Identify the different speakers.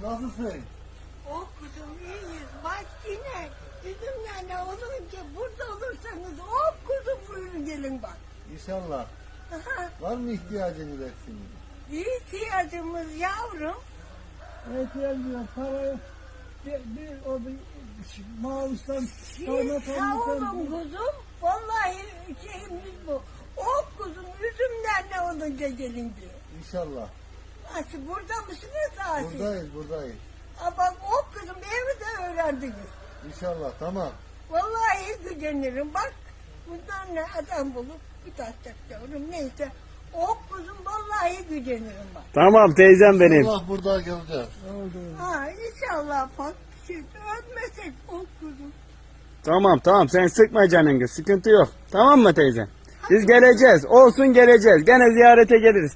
Speaker 1: Nasılsın?
Speaker 2: Oh kuzum iyiyiz. Bak yine bizimle olunca burada olursanız oh kuzum buyurun gelin bak.
Speaker 1: İnşallah.
Speaker 2: Aha,
Speaker 1: Var mı ihtiyacınız eksiniz?
Speaker 2: ihtiyacımız yavrum.
Speaker 3: İhtiyacım yok. Parayı bir Mağus'tan
Speaker 2: Sağ olun kuzum. Vallahi şeyimiz bu. Oh kuzum üzümlerle olunca gelin diyor.
Speaker 1: İnşallah.
Speaker 2: Nasıl burada mısınız daha siz?
Speaker 1: Buradayız.
Speaker 2: Ama oh kuzum evi de öğrendiniz.
Speaker 1: İnşallah, tamam.
Speaker 2: Vallahi gücenirim. Bak bundan ne adam bulup bir tatacak yavrum. Neyse. Oh kuzum vallahi gücenirim bak.
Speaker 4: Tamam teyzem benim.
Speaker 1: İnşallah burada geleceğiz.
Speaker 2: Ha inşallah bak. Siz ölmesek oh kuzum.
Speaker 4: Tamam sen sıkma canını, sıkıntı yok. Tamam mı teyzem? Biz geleceğiz. Olsun geleceğiz. Gene ziyarete geliriz.